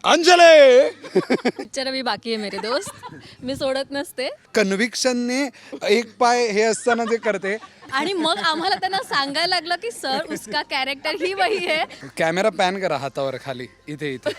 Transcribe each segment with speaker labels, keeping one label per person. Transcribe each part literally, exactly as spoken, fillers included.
Speaker 1: Anjali
Speaker 2: picture अभी बाकी आहे मेरे दोस्त, मी सोडत नसते.
Speaker 1: कन्व्हिक्शनने एक पाय हे असताना जे करते.
Speaker 2: आणि मग आम्हाला त्यांना सांगायला लागलं की सर उसका कॅरेक्टर ही वही है.
Speaker 1: कॅमेरा पॅन करा हातावर खाली इथे इथे.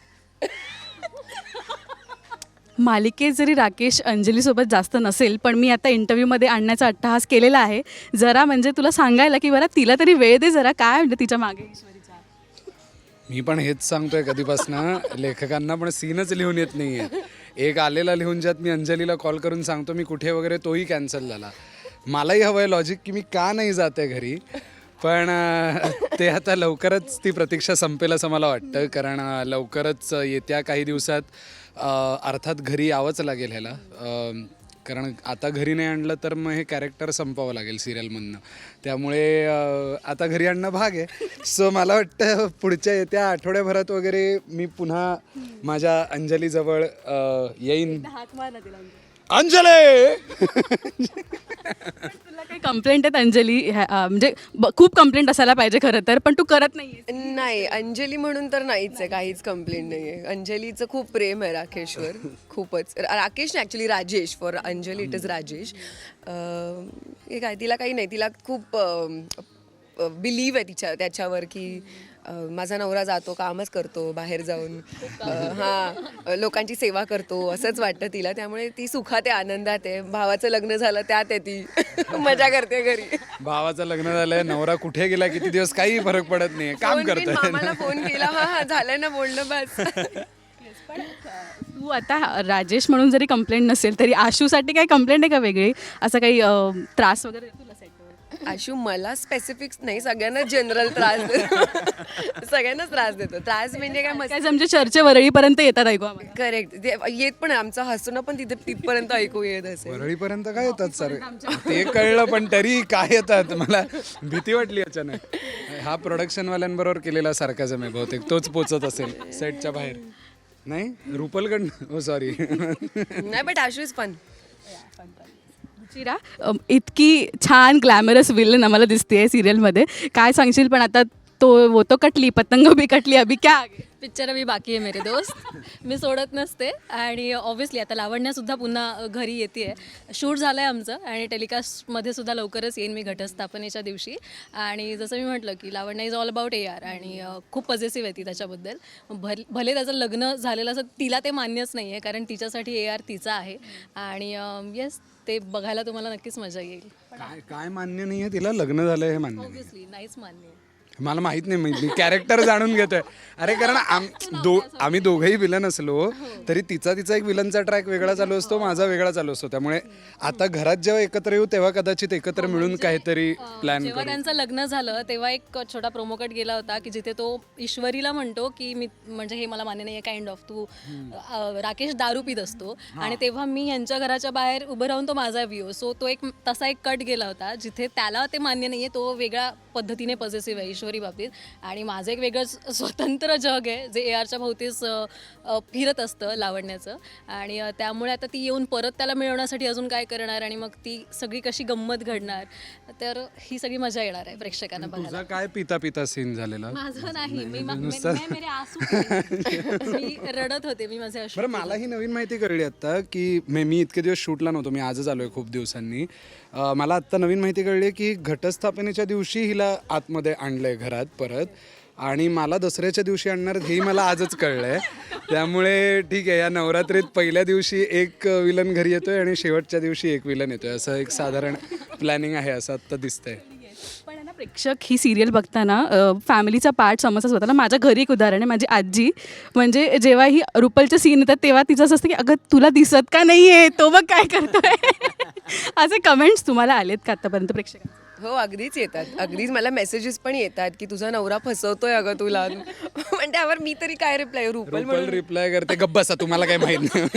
Speaker 3: मालिकेत जरी राकेश अंजलीसोबत जास्त नसेल, पण मी आता इंटरव्ह्यूमध्ये आणण्याचा अट्टहास केलेला आहे. जरा म्हणजे तुला सांगायला की बरं तिला तरी वेळ दे जरा, काय म्हणजे तिच्या मागे ईश्वरीचा.
Speaker 1: मी पण हेच सांगतोय कधीपासनं, लेखकांना पण सीनच लिहून येत नाहीये. एक आलेला लिहून ज्यात मी अंजलीला कॉल करून सांगतो मी कुठे वगैरे, तोही कॅन्सल झाला. मलाही हवं आहे लॉजिक की मी का नाही जाते घरी, पण ते आता लवकरच ती प्रतीक्षा संपेल असं मला वाटतं. कारण लवकरच येत्या काही दिवसात अर्थात घरी यावंच लागेल ह्याला, कारण आता घरी नाही आणलं तर मग हे कॅरेक्टर संपवावं लागेल सिरियलमधनं. त्यामुळे आता घरी आणणं भाग आहे. सो मला वाटतं पुढच्या येत्या आठवड्याभरात वगैरे मी पुन्हा माझ्या अंजलीजवळ येईन. अंजली
Speaker 3: तुला काही कंप्लेंट आहेत अंजली ह्या- अं, म्हणजे ब- खूप कंप्लेंट असायला पाहिजे खरं तर, पण तू करत नाही.
Speaker 4: नाही, अंजली म्हणून तर नाहीच आहे, काहीच कंप्लेंट नाही आहे. अंजलीचं खूप प्रेम आहे राकेशवर, खूपच. राकेश नाही actually, Rajesh. For Anjali it is Rajesh. अं, हे काय, तिला काही नाही, तिला खूप बिलीव आहे तिच्या त्याच्यावर की अं, माझा नवरा जातो, कामच करतो बाहेर जाऊन, हां लोकांची सेवा करतो असंच वाटतं तिला. त्यामुळे ती सुखात आहे, आनंदात आहे. भावाचं लग्न झालं त्यात आहे ती, मजा करते घरी.
Speaker 1: भावाचं लग्न झालंय, नवरा कुठे गेला किती दिवस काही फरक पडत नाही, काम
Speaker 4: फोन बिन
Speaker 1: करतोय.
Speaker 4: मामाला फोन केला, हा हा झालं ना बोलणं बस.
Speaker 3: तू आता राजेश म्हणून जरी कंप्लेंट नसेल तरी आशूसाठी काही कंप्लेंट आहे का वेगळी, असं काही अं, त्रास वगैरे देतो तुला सेटवर?
Speaker 4: आशू मला स्पेसिफिक्स नाही, सगळ्यांना जनरल त्रास देतो. सगळ्यांनाच त्रास देतो. त्रास म्हणजे काय मस्त.
Speaker 3: काय आमच्या चर्चे वरळीपर्यंत येतात ऐकू आम्हाला.
Speaker 4: करेक्ट, येत पण आहे. आमचं हसणं पण तिथे तिथपर्यंत ऐकू येत असेल.
Speaker 1: वरळीपर्यंत काय येतात सर, ते कळलं पण तरी काय येतात, मला भीती वाटली अचानक. हा प्रोडक्शनवाल्यांबरोबर केलेला सारखाच आहे बहुतेक, तोच पोचत असेल सेटच्या बाहेर. नाही रुपलकडनं, हो सॉरी.
Speaker 4: नाही बट आशू इज फन.
Speaker 3: चिरा अम, इतकी छान ग्लॅमरस विलन आम्हाला दिसते सिरियलमध्ये, काय सांगशील? पण आता तो वो तो कटली पतंग भी कटली, अभी क्या आगे?
Speaker 2: पिक्चर अभी बाकी आहे मेरे दोस्त, मी सोडत नसते. आणि ऑब्व्हियसली आता लावण्यासुद्धा पुन्हा घरी येते आहे. शूट झालं आहे आमचं आणि टेलिकास्टमध्ये सुद्धा लवकरच येईन मी घटस्थापनेच्या दिवशी. आणि जसं मी म्हटलं की Lavanya is all about A R, आणि खूप पॉझिटिव्ह आहे ती त्याच्याबद्दल. भल भले त्याचं लग्न झालेलं असं तिला ते मान्यच नाही आहे, कारण तिच्यासाठी ए आर तिचा आहे. आणि येस, ते बघायला तुम्हाला नक्कीच मजा येईल.
Speaker 1: काय काय मान्य नाहीये तिला, लग्न झालंय हे मान्य नाही.
Speaker 2: ऑब्व्हियसली नाहीच मान्य आहे.
Speaker 1: मला माहित नाही, मी कॅरेक्टर जाणून घेतोय. अरे कारण आम दो आम्ही दोघंही विलन असलो तरी तिचा तिचा एक विलनचा ट्रॅक वेगळा चालू असतो, माझा वेगळा चालू असतो. त्यामुळे आता घरात जेव्हा एकत्र येऊ तेव्हा कदाचित एकत्र मिळून काहीतरी प्लॅन
Speaker 2: जेव्हा
Speaker 1: करू.
Speaker 2: त्यांचं लग्न झालं तेव्हा एक छोटा प्रोमो कट गेला होता की जिथे तो ईश्वरीला म्हणतो की मी म्हणजे हे मला मान्य नाही आहे, काइंड ऑफ तू अ, राकेश दारू पित असतो. आणि तेव्हा मी यांच्या घराच्या बाहेर उभं राहून तो माझा व्ह्यू. सो तो एक तसा एक कट गेला होता जिथे त्याला ते मान्य नाही आहे, तो वेगळ्या पद्धतीने पॉझिटिव्ह आहे ईश्वरी बाबतीत. आणि माझं एक वेगळं स्वतंत्र जग आहे जे ए आरच्या भोवतीच फिरत असतं लावण्याचं. आणि अ, त्यामुळे आता ती येऊन परत त्याला मिळवण्यासाठी अजून काय करणार आणि मग ती सगळी कशी गंमत घडणार, तर ही सगळी मजा येणार आहे प्रेक्षकांना बघायला.
Speaker 1: तुझा काय पिता पिता सीन झालेला?
Speaker 2: माझं नाही, मी मा- मैं- मैं मेरे आंसू थे. मी रडत होते, मी माझे अश्रू.
Speaker 1: बरं, मला ही नवीन माहिती कळली आत्ता की मे मी इतके दिवस शूटला नव्हतो, मी आजच आलो आहे खूप दिवसांनी. अं, मला आत्ता नवीन माहिती कळली की घटस्थापनेच्या दिवशी हिला आतमध्ये आणलं आहे घरात परत, आणि मला दसऱ्याच्या दिवशी आणणार हेही मला आजच कळलं आहे. त्यामुळे ठीक आहे, या नवरात्रीत पहिल्या दिवशी एक विलन घरी येतोय आणि शेवटच्या दिवशी एक विलन येतोय, असं एक साधारण प्लॅनिंग आहे असं आत्ता दिसतंय.
Speaker 3: पण आहे ना, प्रेक्षक ही सिरियल बघताना फॅमिलीचा पार्ट समजता स्वतःला. माझ्या घरी एक उदाहरण आहे, माझी आजी म्हणजे जेव्हा ही रुपलचे सीन येतात तेव्हा तिचं असं असतं की अगं तुला दिसत का नाही आहे, तो बघ काय करतोय. असे कमेंट्स तुम्हाला आलेत का आतापर्यंत प्रेक्षकांचे?
Speaker 4: हो अगदीच येतात, अगदीच मला मेसेजेस पण येतात की तुझा नवरा फसवतोय अगं तुला. पण त्यावर मी तरी काय रिप्लाय, रुपल
Speaker 1: रुपल
Speaker 4: म्हणून
Speaker 1: रिप्लाय करते गप्प बसा, तुम्हाला काही माहित नाही.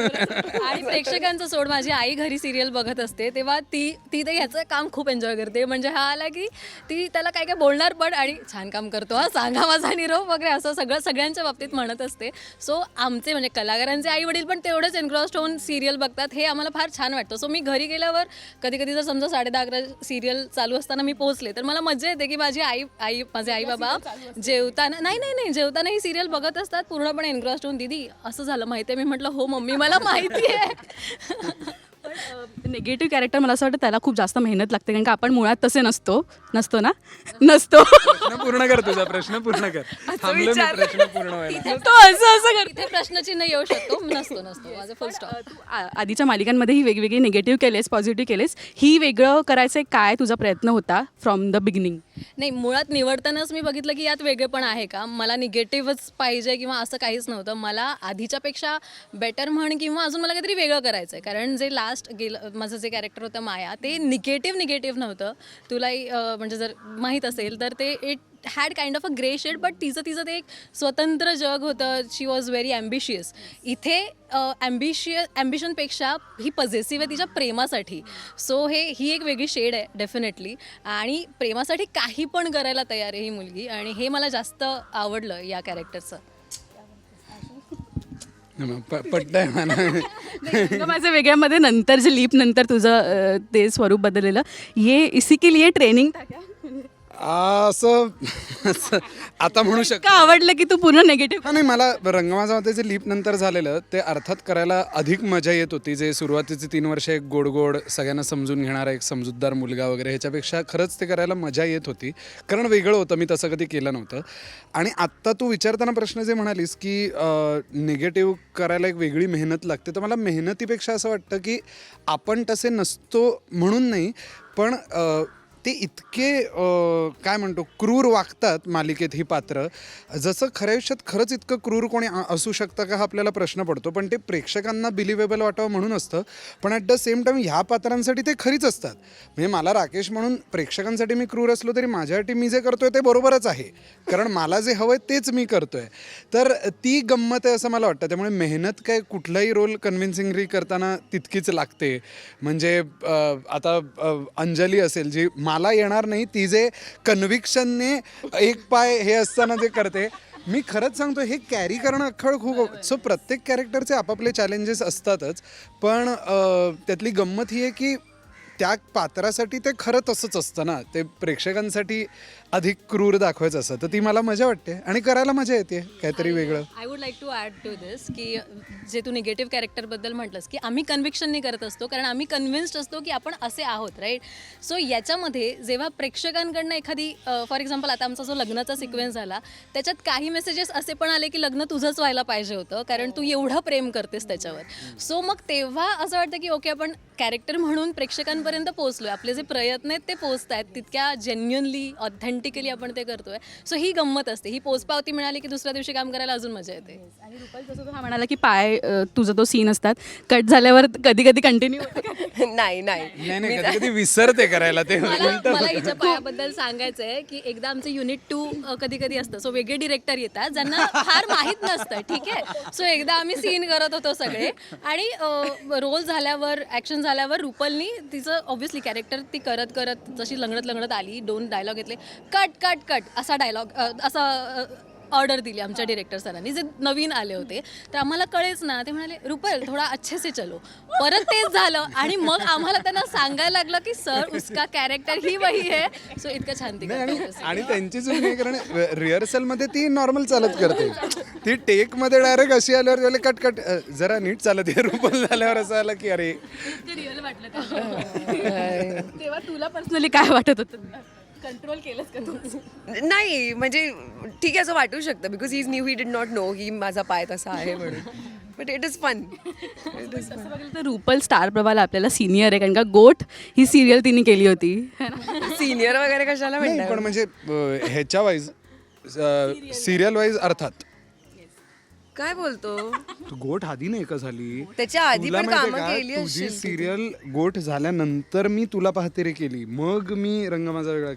Speaker 2: आणि प्रेक्षकांचं सोड, माझी आई घरी सिरियल बघत असते तेव्हा ती ती तर ह्याचं काम खूप एन्जॉय करते. म्हणजे हा आला की ती त्याला काय काय बोलणार पण, आणि छान काम करतो हा, सांगा माझा निरोप वगैरे असं सगळं सगळ्यांच्या बाबतीत म्हणत असते. सो आमचे म्हणजे कलाकारांचे आई वडील पण तेवढेच एन्ग्रॉस्ड होऊन सिरियल बघतात, हे आम्हाला फार छान वाटतं. सो मी घरी गेल्यावर कधी कधी जर समजा साडे दहा अकरा सिरियल चालू असताना मी पोहोचले तर मला मजा येते की माझी आई आई माझे आई बाबा जेवताना नाही नाही नाही जेवताना ही सिरियल बघत असतात पूर्णपणे एन्ग्रॉस्ड होऊन. दीदी असं झालं माहिती आहे. मी म्हटलं हो मम्मी मला माहिती आहे.
Speaker 3: निगेटिव्ह कॅरेक्टर मला असं वाटतं त्याला खूप जास्त मेहनत लागते कारण का आपण मुळात तसे नसतो नसतो ना नसतो
Speaker 1: प्रश्न पूर्ण कर तुझा प्रश्न पूर्ण कर. थांबलो मी प्रश्न पूर्ण व्हायला.
Speaker 3: तो असं असं करतो.
Speaker 2: इथे प्रश्नचिन्ह येऊ शकतो नसतो नसतो माझं फुल स्टॉप.
Speaker 3: तू आ- आधीच्या मालिकांमध्येही वेगवेगळे निगेटिव्ह केलेस पॉझिटिव्ह केलेस ही वेगळं करायचं काय तुझा प्रयत्न होता फ्रॉम द बिगिनिंग?
Speaker 2: नाही मुळात निवडतानाच मी बघितलं की यात वेगळेपण आहे का. मला निगेटिव्हच पाहिजे किंवा असं काहीच नव्हतं. मला आधीच्यापेक्षा बेटर म्हण किंवा अजून मला काहीतरी वेगळं करायचं आहे. कारण जे लास्ट गेलं माझं जे कॅरेक्टर होतं माया ते निगेटिव्ह निगेटिव्ह नव्हतं. तुलाही अं, म्हणजे जर माहीत असेल तर ते it had kind of a grey shade but तिचं तिचं ते एक स्वतंत्र जग होतं. She was very ambitious. इथे ॲम्बिशियस ॲम्बिशनपेक्षा ही पॉझिटिव्ह आहे तिच्या प्रेमासाठी. सो हे ही एक वेगळी शेड आहे डेफिनेटली. आणि प्रेमासाठी काही पण करायला तयार आहे ही मुलगी आणि हे मला जास्त आवडलं या कॅरेक्टरचं.
Speaker 1: पटतंय मला.
Speaker 3: माझ्या वेगळ्यामध्ये नंतर जे लीप नंतर तुझं अं, ते स्वरूप बदललेलं ये इसी के लिए ट्रेनिंग
Speaker 1: असं असं आता म्हणू शकतो.
Speaker 3: का आवडलं की तू पूर्ण निगेटिव्ह?
Speaker 1: हा नाही मला रंगमाजामध्ये जे लीप नंतर झालेलं ते अर्थात करायला अधिक मजा येत होती. जे सुरुवातीचे तीन वर्ष एक गोड गोड सगळ्यांना समजून घेणारा एक समजूतदार मुलगा वगैरे ह्याच्यापेक्षा खरंच ते करायला मजा येत होती कारण वेगळं होतं. मी तसं कधी केलं नव्हतं. आणि आत्ता तू विचारताना प्रश्न जे म्हणालीस की निगेटिव्ह करायला एक वेगळी मेहनत लागते तर मला मेहनतीपेक्षा असं वाटतं की आपण तसे नसतो म्हणून नाही पण अ, ते इतके अ, काय म्हणतो क्रूर वागतात मालिकेत ही पात्र. जसं खऱ्या आयुष्यात खरंच इतकं क्रूर कोणी आ- असू शकतं का हा आपल्याला प्रश्न पडतो. पण ते प्रेक्षकांना बिलिव्हेबल वाटावं म्हणून असतं. पण ॲट द सेम टाईम ह्या पात्रांसाठी ते खरीच असतात. म्हणजे मला राकेश म्हणून प्रेक्षकांसाठी मी क्रूर असलो तरी माझ्यासाठी मी जे करतोय ते बरोबरच आहे कारण मला जे हवं आहे तेच मी करतोय. तर ती गंमत आहे असं मला वाटतं. त्यामुळे मेहनत काय कुठलाही रोल कन्व्हिन्सिंगली करताना तितकीच लागते. म्हणजे अ, आता अ, अंजली असेल जी मला येणार नाही ती जे कन्व्हिक्शनने एक पाय हे असताना जे करते मी खरंच सांगतो हे कॅरी करणं अख्खळ खूप. सो प्रत्येक कॅरेक्टरचे आपापले चॅलेंजेस असतातच पण अ, त्यातली गंमत ही आहे की त्या पात्रासाठी ते खरं तसंच असतं ना. ते प्रेक्षकांसाठी अधिक क्रूर दाखवायचं असतं तर ती मला मजा वाटते आणि करायला मजा येते काहीतरी वेगळं.
Speaker 2: I would like to add to this की जे तू निगेटिव्ह कॅरेक्टरबद्दल म्हटलंस की आम्ही कन्व्हिक्शननी करत असतो कारण आम्ही कन्व्हिन्स्ड असतो की आपण असे आहोत राईट. सो याच्यामध्ये जेव्हा प्रेक्षकांकडनं एखादी फॉर एक्झाम्पल आता आमचा जो लग्नाचा सिक्वेन्स झाला त्याच्यात काही मेसेजेस असे पण आले की लग्न तुझंच व्हायला पाहिजे होतं कारण तू एवढं प्रेम करतेस त्याच्यावर. सो मग तेव्हा असं वाटतं की ओके आपण कॅरेक्टर म्हणून प्रेक्षकांपर्यंत पोहोचलोय. आपले जे प्रयत्न आहेत ते पोहोचत आहेत तितक्या जेन्युअनली ऑथेंटिकली आपण ते करतोय. सो ही गंमत असते. ही पोचपावती मिळाली की दुसऱ्या दिवशी काम करायला अजून मजा येते.
Speaker 3: आणि रुपाल जसं तो हा म्हणाला की पाय अ, तुझा तो सीन असतात कट झाल्यावर कधी कधी कंटिन्यू
Speaker 4: नाही नाही
Speaker 1: नाही नाही कधी कधी विसरते करायला ते.
Speaker 2: मला मला हिच्या पायाबद्दल सांगायचं आहे की एकदा आमचं युनिट टू कधी कधी असतं. सो वेगळे डिरेक्टर येतात ज्यांना फार माहीत नसतं ठीक आहे. सो एकदा आम्ही सीन करत होतो सगळे आणि रोल झाल्यावर ॲक्शन झाल्यावर रुपलनी तिचं ऑब्व्हियसली कॅरेक्टर ती करत करत जशी लंगडत लंगडत आली दोन डायलॉग घेतले कट कट कट असा डायलॉग असा ऑर्डर दिली आमच्या डिरेक्टर सरांनी जे नवीन आले होते. तर आम्हाला कळेच ना. ते म्हणाले रुपल थोडा अच्छे से चलो. परत तेच झालं आणि मग आम्हाला त्यांना सांगायला लागलं की सर उसका कॅरेक्टर ही वही आहे. सो इतकं छान ती
Speaker 1: नाही, आणि
Speaker 2: करते.
Speaker 1: आणि त्यांची चूक नाही कारण रिहर्सलमध्ये ती नॉर्मल चालत करते. ती टेकमध्ये डायरेक्ट अशी आल्यावर त्याला कट कट अ, जरा नीट चालत आहे. रुपल झाल्यावर असं आलं की अरे
Speaker 3: रिअल वाटलं तेव्हा तुला पर्सनली काय वाटत होतं? कंट्रोल केलंस का तू?
Speaker 4: नाही म्हणजे ठीक आहे असं वाटू शकतं because he is new he did not know की माझा पाय तसा आहे म्हणून. But it is fun.
Speaker 3: तसं बघितलं तर रुपल स्टार प्रभाला आपल्याला सिनियर आहे कारण का गोट ही सिरियल तिने केली होती.
Speaker 4: सिनियर वगैरे कशाला
Speaker 1: नाही
Speaker 4: म्हणतात.
Speaker 1: पण म्हणजे अ, ह्याच्या वाईज सिरियल वाईज अर्थात
Speaker 4: काय बोलतो.
Speaker 1: तू गोठ आधी नाही का झाली
Speaker 4: त्याच्या आधी
Speaker 1: तुला
Speaker 4: पण
Speaker 1: माहितीये
Speaker 4: कामं
Speaker 1: का,
Speaker 4: केली
Speaker 1: तुझी
Speaker 4: असशील.
Speaker 1: सिरियल गोठ झाल्यानंतर मी तुला पाहते रे केली मग मी रंग माझा वेगळा केली.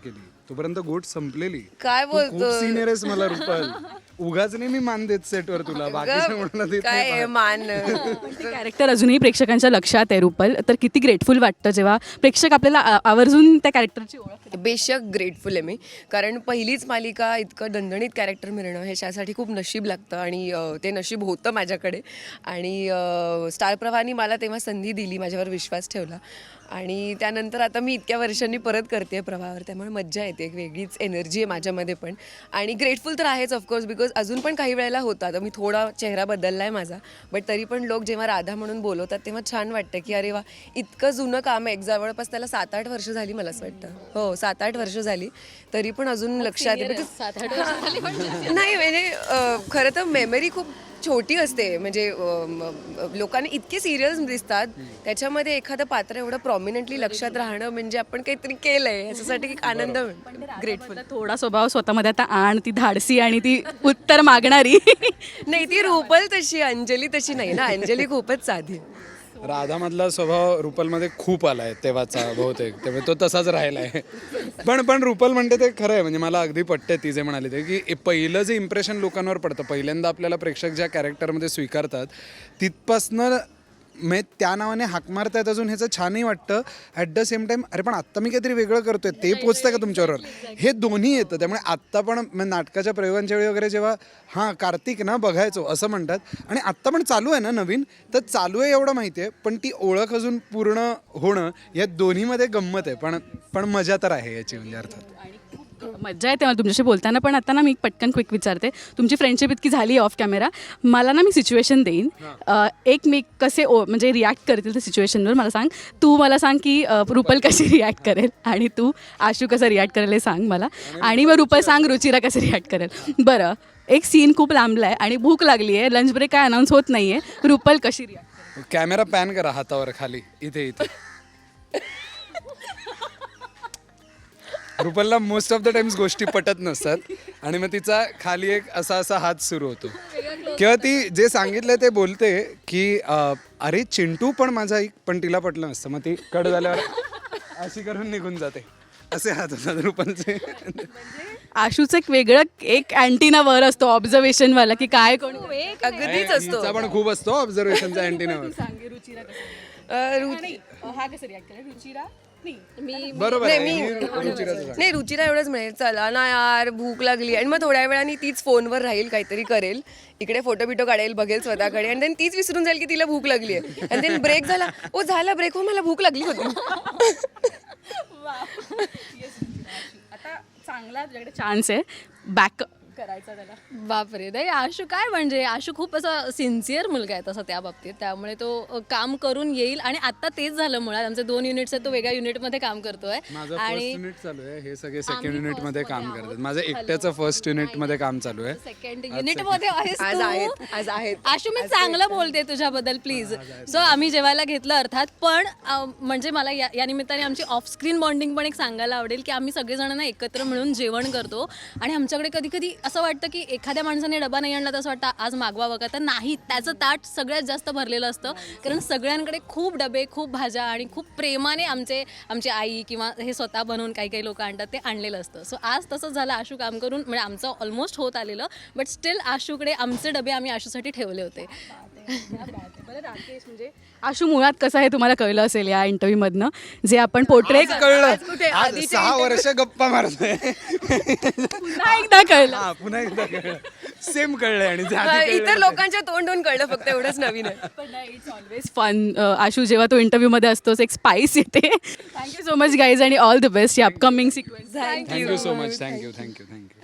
Speaker 1: तोपर्यंत गोट संपलेली.
Speaker 4: काय
Speaker 1: तू खूप
Speaker 4: बोलतोय?
Speaker 1: सिनियर आहेस मला रुपल. उगाच नाही मी मान देत सेटवर तुला, बाकीच्या म्हणून देत
Speaker 4: काय
Speaker 1: नाही
Speaker 4: आहे,
Speaker 1: पण.
Speaker 4: मान
Speaker 3: ते कॅरेक्टर अजूनही प्रेक्षकांच्या लक्षात आहे रुपल, तर किती ग्रेटफुल वाटतं जेव्हा प्रेक्षक आपल्याला आ- आवर्जून त्या कॅरेक्टरची ओळख.
Speaker 4: बेशक ग्रेटफुल आहे मी, कारण पहिलीच मालिका इतकं दणदणीत कॅरेक्टर मिळणं हे त्यासाठी खूप नशीब लागतं आणि अ, ते नशीब होतं माझ्याकडे. आणि अ, स्टार प्रवाहाने मला तेव्हा संधी दिली, माझ्यावर विश्वास ठेवला आणि त्यानंतर आता मी इतक्या वर्षांनी परत करते प्रवाहावर, त्यामुळे मज्जा येते, एक वेगळीच एनर्जी आहे माझ्यामध्ये पण. आणि ग्रेटफुल तर आहेच ऑफकोर्स, बिकॉज अजून पण काही वेळेला होतं, आता मी थोडा चेहरा बदलला आहे माझा, बट तरी पण लोक जेव्हा राधा म्हणून बोलवतात तेव्हा छान वाटतं की अरे वा, इतकं जुनं काम आहे, एक जवळपास त्याला सात आठ वर्ष झाली मला असं वाटतं. हो, सात आठ वर्ष झाली, तरी पण अजून लक्षात आहे. Because-
Speaker 2: सात आठ वर्ष झाली म्हणजे.
Speaker 4: नाही म्हणजे अ, खरं तर मेमरी खूप छोटी असते, म्हणजे अ, म- लोकांना इतके सिरियल्स दिसतात, त्याच्यामध्ये एखादं पात्र एवढं प्रॉमिनंटली लक्षात राहणं म्हणजे आपण काहीतरी केलंय याच्यासाठी एक आनंद ग्रेटफुल.
Speaker 3: थोडा स्वभाव स्वतःमध्ये आता आण, ती धाडसी आणि ती उत्तर मागणारी.
Speaker 4: नाही, ती रुपल तशी, अंजली तशी नाही ना, अंजली खूपच साधी आहे.
Speaker 1: राधामधला स्वभाव रुपलमध्ये खूप आलाय तेव्हाचा बहुतेक, त्यामुळे तो तसाच राहिला आहे. पण पण रुपल म्हणते ते खरं आहे, म्हणजे मला अगदी पटते ती जे म्हणाली ते, की पहिलं जे इम्प्रेशन लोकांवर पडतं, पहिल्यांदा आपल्याला प्रेक्षक ज्या कॅरेक्टरमध्ये स्वीकारतात तिथपासनं म्हणजे त्या नावाने हाक मारतायत अजून, ह्याचं छानही वाटतं. ॲट द सेम टाईम अरे पण आत्ता मी काहीतरी वेगळं करतोय, ते पोचतं का तुमच्याबरोबर, हे दोन्ही येतं. त्यामुळे आत्ता पण म्हणजे नाटकाच्या प्रयोगांच्या वेळी वगैरे जेव्हा हां कार्तिक ना बघायचो असं म्हणतात, आणि आत्ता पण चालू आहे ना नवीन, तर चालू आहे एवढं माहिती आहे, पण ती ओळख अजून पूर्ण होणं या दोन्हीमध्ये गंमत आहे. पण पण मजा तर आहे याची, म्हणजे अर्थात.
Speaker 3: मज्जा येते मला तुमच्याशी बोलताना. पण आता ना मी पटकन क्विक विचारते, तुमची फ्रेंडशिप इतकी झाली ऑफ कॅमेरा, मला ना मी सिच्युएशन देईन, अ, एक मी कसे ओ म्हणजे रिॲक्ट करतील त्या सिच्युएशनवर मला सांग. तू मला सांग की अ, रुपल कशी रिॲक्ट करेल, आणि तू आशू कसं रिॲक्ट करेल हे सांग मला, आणि मग रुपल सांग रुचिरा कसं रिॲक्ट करेल. बरं, एक सीन खूप लांबला आहे आणि भूक लागली आहे, लंच ब्रेक काय अनाऊन्स होत नाही आहे, रुपल कशी रिॲक्ट?
Speaker 1: कॅमेरा पॅन करा हातावर खाली, इथे इथे. रुपलला मोस्ट ऑफ द टाइम्स गोष्टी पटत नसतात, आणि मग तिचा खाली एक असा असा हात सुरू होतो, किंवा ती जे सांगितलं ते बोलते की अं, अरे चिंटू पण माझा एक, पण तिला पटलं नसतं, मग ती कट झाल्यावर अशी करून निघून जाते. असे हात होतात रुपलचे.
Speaker 3: आशूचं एक वेगळं एक अँटीना वर असतो ऑब्झर्वेशनवाला, की काय कोण
Speaker 4: अगदीच असतो.
Speaker 1: हिचा पण खूप असतो ऑब्झर्वेशनचा अँटीनावर.
Speaker 4: अ, रु-
Speaker 3: हा कसं रिॲक्ट करेल रुचिरा?
Speaker 2: मी
Speaker 1: बरोबर
Speaker 4: नाही,
Speaker 1: आहे,
Speaker 4: मी
Speaker 1: ही रुचिराचं सांग.
Speaker 4: नाही, रुचिरा एवढंच म्हणेल, चला ना यार भूक लागली, आणि मग थोड्या वेळाने तीच फोनवर राहील, काहीतरी करेल, इकडे फोटो बिटो काढेल, बघेल स्वतःकडे, आणि देन तीच विसरून जाईल की तिला भूक लागली आहे, आणि देन ब्रेक झाला, ओ झाला ब्रेक, हो मला भूक लागली होती.
Speaker 3: आता चांगला तुझ्याकडे चान्स आहे बॅक करायचा त्याला.
Speaker 2: बापरे, नाही आशू काय म्हणजे, आशू खूप असा सिन्सिअर मुलगा आहे तसा त्या बाबतीत, त्यामुळे तो अ, काम करून येईल. आणि आता तेच झालं, मुळात आमचे दोन युनिट्स आहेत, तो वेगळ्या युनिटमध्ये काम करतोय.
Speaker 1: माझं फर्स्ट युनिट चालू आहे, हे सगळे सेकंड युनिट मध्ये काम करतात. माझं एकट्याचं फर्स्ट युनिट मध्ये काम चालू आहे.
Speaker 2: सेकंड युनिट मध्ये आहेस
Speaker 4: आज
Speaker 2: तू.
Speaker 4: आहेत, आज आहेत.
Speaker 2: आशू मी चांगलं बोलते तुझ्याबद्दल प्लीज. सो आम्ही जेवायला घेतलं अर्थात, पण अ, म्हणजे मला या या निमित्ताने आमची ऑफ स्क्रीन बॉन्डिंग पण एक सांगायला आवडेल, की आम्ही सगळेजण ना एकत्र मिळून जेवण करतो. आणि आमच्याकडे कधी कधी असं वाटतं की एखाद्या माणसाने डबा नाही आणला तर असं वाटतं आज मागवावं का, तर नाही, त्याचं ताट सगळ्यात जास्त भरलेलं असतं, कारण सगळ्यांकडे खूप डबे, खूप भाज्या, आणि खूप प्रेमाने आमचे आमची आई किंवा हे स्वतः बनवून काही काही लोक आणतात ते आणलेलं असतं. सो आज तसंच झालं, आशू काम करून म्हणजे आमचं ऑलमोस्ट होत आलेलं, बट स्टील आशूकडे आमचे डबे आम्ही आशूसाठी ठेवले होते.
Speaker 3: बरं राकेश, म्हणजे आशू मुळात कसं आहे तुम्हाला कळलं असेल या इंटरव्ह्यू मधनं, जे आपण पोर्ट्रे
Speaker 1: कळलं आज सहा वर्ष गप्पा मारतोय.
Speaker 3: पुन्हा एकदा कळलं.
Speaker 1: हा, पुन्हा एकदा कळलं, सेम कळलंय, आणि जे आधी कळलं
Speaker 4: इतर लोकांच्या तोंडून कळलं, फक्त एवढंच नवीन आहे.
Speaker 3: पण इट्स ऑलवेज फन. आशू जेव्हा तो इंटरव्ह्यूमध्ये असतोच एक स्पाइस येते. थँक्यू सो मच गाईज, आणि ऑल द बेस्ट या upcoming sequence.
Speaker 1: Thank you so much, thank you thank you thank you